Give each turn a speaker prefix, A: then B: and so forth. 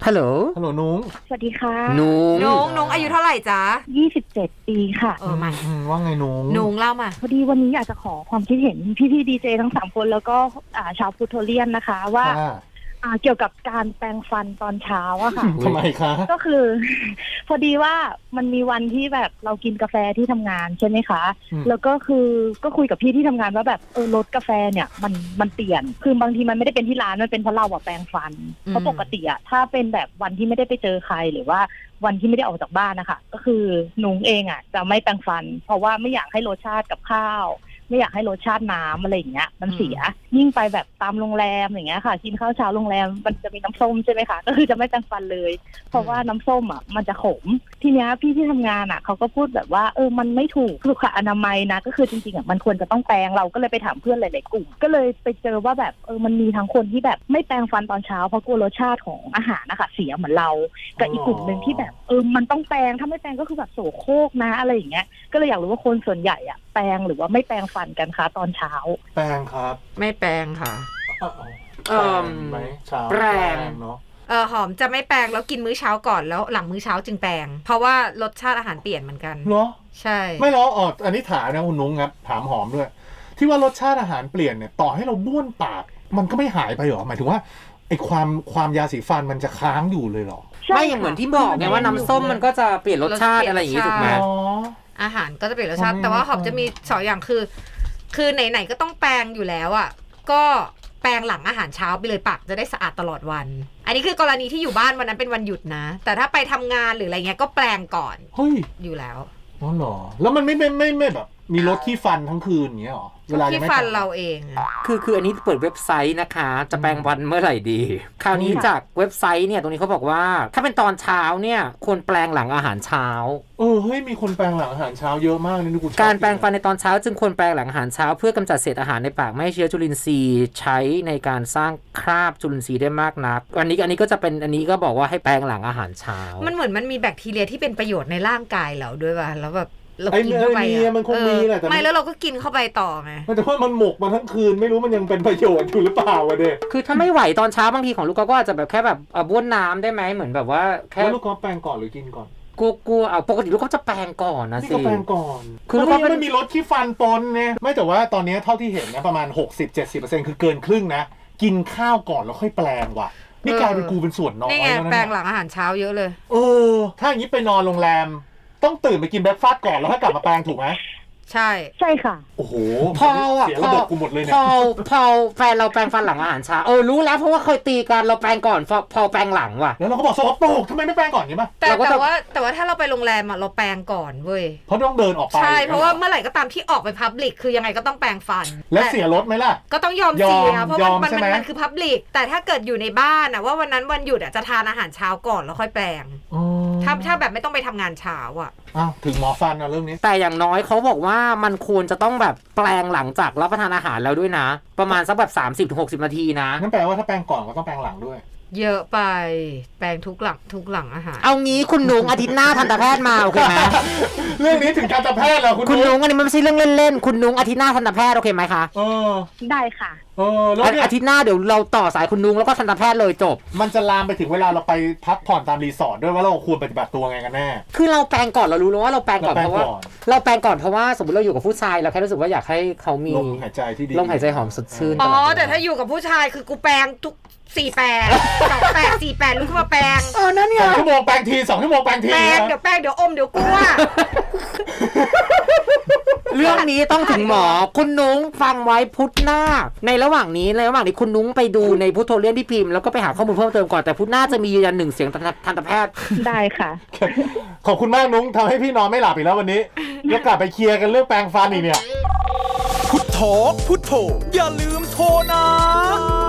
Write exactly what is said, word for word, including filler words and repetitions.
A: ฮัลโหล
B: ฮัลโหลนุ้ง
C: สวัสดีค่ะ
A: นุ้ง
D: นุ้งนุ้งอายุเท่าไหร่จ๊ะ
C: ยี่สิบเจ็ดปีค่ะ
D: เออมา
B: ว่าไงนุ้ง
D: นุ้งเล่ามา
C: พอดีวันนี้อยากจะขอความคิดเห็นพี่ๆดีเจทั้งสามคนแล้วก็ชาวพุทโธเลียนนะคะว่าเกี่ยวกับการแปรงฟันตอนเช้าอะค่ะ
B: ทำไมคะ
C: ก็คือพอดีว่ามันมีวันที่แบบเรากินกาแฟที่ทำงานใช่ไหมคะแล้วก็คือก็คุยกับพี่ที่ทำงานว่าแบบเออรสกาแฟเนี่ยมันมันเปลี่ยนคือบางทีมันไม่ได้เป็นที่ร้านมันเป็นเพราะเราอะแปรงฟันเพราะปกติอะถ้าเป็นแบบวันที่ไม่ได้ไปเจอใครหรือว่าวันที่ไม่ได้ออกจากบ้านนะคะก็คือนุ้งเองอะจะไม่แปรงฟันเพราะว่าไม่อยากให้รสชาติกับข้าวไม่อยากให้รสชาติน้ำอะไรอย่างเงี้ยมันเสียยิ่งไปแบบตามโรงแรมอย่างเงี้ยค่ะกินข้าวเช้าโรงแรมมันจะมีน้ำส้มใช่ไหมคะก็คือจะไม่แปรงฟันเลยเพราะว่าน้ำส้มอ่ะมันจะขมทีเนี้ยพี่ที่ทำงานอ่ะเขาก็พูดแบบว่าเออมันไม่ถูกสุขอนามัยนะก็คือจริงๆอ่ะมันควรจะต้องแปรงเราก็เลยไปถามเพื่อนหลายๆกลุ่มก็เลยไปเจอว่าแบบเออมันมีทั้งคนที่แบบไม่แปรงฟันตอนเช้าเพราะกลัวรสชาติของอาหารนะคะเสียเหมือนเรากับอีกกลุ่มนึงที่แบบเออมันต้องแปรงถ้าไม่แปรงก็คือแบบโสโครกนะอะไรอย่างเงี้ยก็เลยอยากรู้ว่าคนส่วนใหญ่อ่ะแปรงหรือว่าไม่แปรงฟันกันคะตอนเช้า
B: แปรงครับ
D: ไม่แปรงค่ะ
B: เออไหมเช้า
D: แปรงเนาะเออหอมจะไม่แปรงแล้วกินมื้อเช้าก่อนแล้วหลังมื้อเช้าจึงแปรงเพราะว่ารสชาติอาหารเปลี่ยนเหมือนกัน
B: เหรอ
D: ใช่
B: ไม่หรออ๋ออันนี้ถามนะคุณนุ้งครับถามหอมด้วยที่ว่ารสชาติอาหารเปลี่ยนเนี่ยต่อให้เราบ้วนปากมันก็ไม่หายไปหรอหมายถึงว่าไอ้ความความยาสีฟันมันจะค้างอยู่เลยหรอ
A: ไม่อย่างเหมือนที่บอกไงว่าน้ำส้มมันก็จะเปลี่ยนรสชาติอะไรอย่างงี้ถูกไหม
D: อาหารก็จะเปลี่ยนรสชาติแต่ว่าหอมจะมีสองอย่างคือคือไหนๆก็ต้องแปรงอยู่แล้วอ่ะก็แปรงหลังอาหารเช้าไปเลยปากจะได้สะอาดตลอดวันอันนี้คือกรณีที่อยู่บ้านวันนั้นเป็นวันหยุดนะแต่ถ้าไปทำงานหรืออะไรเงี้ยก็แปรงก่อน
B: เฮ้ย
D: อยู่แล้ว
B: อ๋อเหรอแล้วมันไม่ไม่ไม่ไม่แบบมีรถขี้ฟันทั้งคืนอย่างเงี้ยหรอ
D: เวลาขี้ฟันเราเอง
A: คือคืออันนี้เปิดเว็บไซต์นะคะจะแปรงฟันเมื่อไหร่ดีคราวนี้จากเว็บไซต์เนี่ยตรงนี้เขาบอกว่าถ้าเป็นตอนเช้าเนี่ยควรแปรงหลังอาหารเช้า
B: เออเฮ้ยมีคนแปรงหลังอาหารเช้าเยอะมากนี่กู
A: การแปรงฟันในตอนเช้าจึงควรแปรงหลังอาหารเช้าเพื่อกำจัดเศษอาหารในปากไม่ให้เชื้อจุลินทรีย์ใช้ในการสร้างคราบจุลินทรีย์ได้มากนักอันนี้อันนี้ก็จะเป็นอันนี้ก็บอกว่าให้แปรงหลังอาหารเช้า
D: มันเหมือนมันมีแบคทีเรียที่เป็นประโยชน์ในร่างกายเราด้วยป่ะแล้วแบบ
B: เรากินเข้าไปอ่ะมันคงมีแหละแต่
D: ไม่แล้วเราก็กินเข้าไปต่อไง
B: แต่ว่ามันหมกมาทั้งคืนไม่รู้มันยังเป็นประโยชน์อยู่หรือเปล่าวะเด็ก
A: คือถ้าไม่ไหวตอนเช้าบางทีของลูกก็อาจจะแบบแค่แบบบ้วนน้ำได้ไหมเหมือนแบบว่า
B: แค่ลูกก็แปรงก่อนหรือกินก่อน
A: กลัวๆเอาปกติลูกก็จะแปรงก่อนนะสิ
B: นี่ก็แปรงก่อนคือลูกก็ไม่มีรสขี้ฟันปนเนี่ยไม่แต่ว่าตอนนี้เท่าที่เห็นนะประมาณ หกสิบถึงเจ็ดสิบเปอร์เซ็นต์ คือเกินครึ่งนะกินข้าวก่อนแล้วค่อยแปรงว่ะนี่กลายเป็นกูเป็นส่วนน้อย
D: นี่ไงแปรงหลังอาหารเช้าเยอะเลย
B: เออถ้าอย่างนี้ไปนอนโรงแรมต้องตื่นไปกินเบรคฟาสต์ก่อนแล้วค่อยกลับมาแปรงถูกไหม
D: ใช่
C: ใช่ค่ะ
B: โอ้โห
A: พออ่ะ
B: เสียระบบกูหมดเลยเนี่ย
A: พอพอแฟนเราแปรงฟันหลังอาหารเช้าเออรู้แล้วเพราะว่าเคยตีกันเราแปรงก่อนพอแปรงหลังว่ะ
B: แล้วเราก็บอกสกปรกทำไมไม่แปรงก่อนใช่ไหม
D: แต่แต่ว่าแต่ว่าถ้าเราไปโรงแรมอ่ะเราแปรงก่อนเว้ย
B: เพราะต้องเดินออกไป
D: ใช่เพราะว่าเมื่อไหร่ก็ตามที่ออกไปพับลิกคือยังไงก็ต้องแปรงฟัน
B: แล้วเสียรถไหมล่ะ
D: ก็ต้องยอมเสียเพราะมันมันมันคือพับลิกแต่ถ้าเกิดอยู่ในบ้านอ่ะว่าวันนั้นวันหยุดอ่ะจะทานอาหารเช้าก่อนแล้วค่อยแปรงถ้าถ้าแบบไม่ต้องไปทำงานเช้าอ่ะ
B: อ้าวถึงหมอฟันนะเรื่องนี้
A: แต่อย่างน้อยเขาบอกว่ามันควรจะต้องแบบแปรงหลังจากรับประทานอาหารแล้วด้วยนะประมาณสักแบบ สามสิบถึงหกสิบ นาทีนะ
B: นั่นแปลว่าถ้าแปรงก่อนก็ต้องแปรงหลังด้วย
D: เยอะไปแปรงทุกหลังทุกหลังอาหาร
A: เอางี้คุณนุ้งอาทิตย์หน้าทันตแพทย์มาโอเคไหม
B: เรื่องนี้ถึงทันตแพทย์แล้วคุณ
A: คุณนุ้งอันนี้มันไม่ใช่เรื่องเล่นๆคุณนุ้งอาทิตย์หน้าทันตแพทย์โอเคไหมคะ
B: เออ
C: ได้ค่ะ
B: เออแล้ว
A: อาทิตย์หน้าเดี๋ยวเราต่อสายคุณนุ้งแล้วก็ทันตแพทย์เลยจบ
B: มันจะลามไปถึงเวลาเราไปพักผ่อนตามรีสอร์ทด้วยว่าเราควรปฏิบัติตัวไงกันแน่
A: คือเราแปรงก่อนเรารู้แล้วว่าเราแปรงก่อนเพราะว่าเราแปรงก่อนเพราะว่าสมมติเราอยู่กับผู้ชายเราแค่รู้สึกว่าอยากให้เขามี
B: ลมหายใจที่ดี
A: ลมหายใจหอมสดชื่น
D: อ๋อแต่ถ้าอยู่กับผู้ชายคือกูแปรงทุกสี่แปดสองแปดสี่แปดลุกขึ้นมาแปรง
A: เออนั่นไง
B: สองชั่วโมงแปรงทีสองชั่วโมงแปรงที
D: แปรงเดี๋ยวแปรงเดี๋ยวอมเดี๋ยวกลัว
A: เรื่องนี้ต้องถึงหมอคุณนุ้งฟังไว้พุธหน้าในระหว่างนี้ในระหว่างนี้คุณนุ้งไปดูในพุทโธเลียนที่พิมพ์แล้วก็ไปหาข้อมูลเพิ่มเติมก่อนแต่พุธหน้าจะมียืนยันหนึ่งเสียงทันตแพทย์
C: ได้ค่ะ
B: ขอบคุณมากนุ้งทำให้พี่นอนไม่หลับอีกแล้ววันนี้แล้วกลับไปเคลียร์กันเรื่องแปรงฟันอีกเนี่ย
E: พุทโธพุทโธอย่าลืมโทรนะ